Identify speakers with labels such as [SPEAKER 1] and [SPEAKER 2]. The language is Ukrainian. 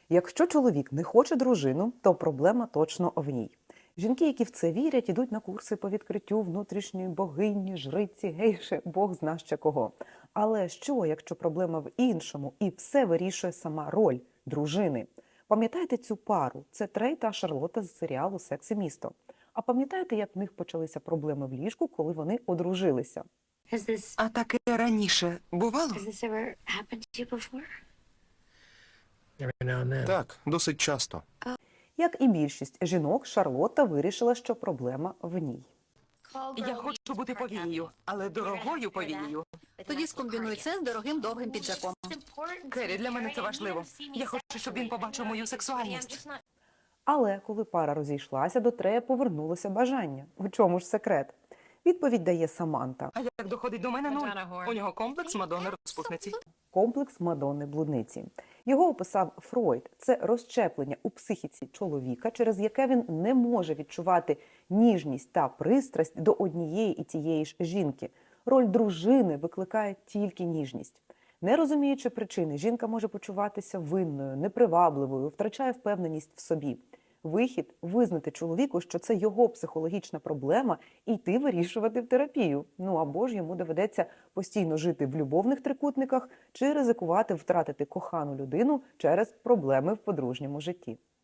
[SPEAKER 1] Якщо чоловік не хоче дружину, то проблема точно в ній. Жінки, які в це вірять, ідуть на курси по відкриттю внутрішньої богині, жриці, гейши, Бог зна ще кого. Але що, якщо проблема в іншому і все вирішує сама роль дружини? Пам'ятаєте цю пару? Це Трей та Шарлотта з серіалу «Секс і місто». А пам'ятаєте, як в них почалися проблеми в ліжку, коли вони одружилися?
[SPEAKER 2] А таке раніше бувало?
[SPEAKER 3] Так, досить часто.
[SPEAKER 1] Як і більшість жінок, Шарлотта вирішила, що проблема в ній.
[SPEAKER 2] Я хочу бути повією, але дорогою повією.
[SPEAKER 4] Тоді скомбінуй це з дорогим довгим піджаком.
[SPEAKER 2] Керрі, для мене це важливо. Я хочу, щоб він побачив мою сексуальність.
[SPEAKER 1] Але коли пара розійшлася, до Трея повернулося бажання. У чому ж секрет? Відповідь дає Саманта.
[SPEAKER 2] А як доходить до мене нуль? У нього комплекс Мадонни розпусниці.
[SPEAKER 1] Комплекс Мадонни-блудниці. Його описав Фройд. Це розщеплення у психіці чоловіка, через яке він не може відчувати ніжність та пристрасть до однієї і тієї ж жінки. Роль дружини викликає тільки ніжність. Не розуміючи причини, жінка може почуватися винною, непривабливою, втрачає впевненість в собі. Вихід – визнати чоловіку, що це його психологічна проблема, і йти вирішувати в терапію. Ну або ж йому доведеться постійно жити в любовних трикутниках чи ризикувати втратити кохану людину через проблеми в подружньому житті.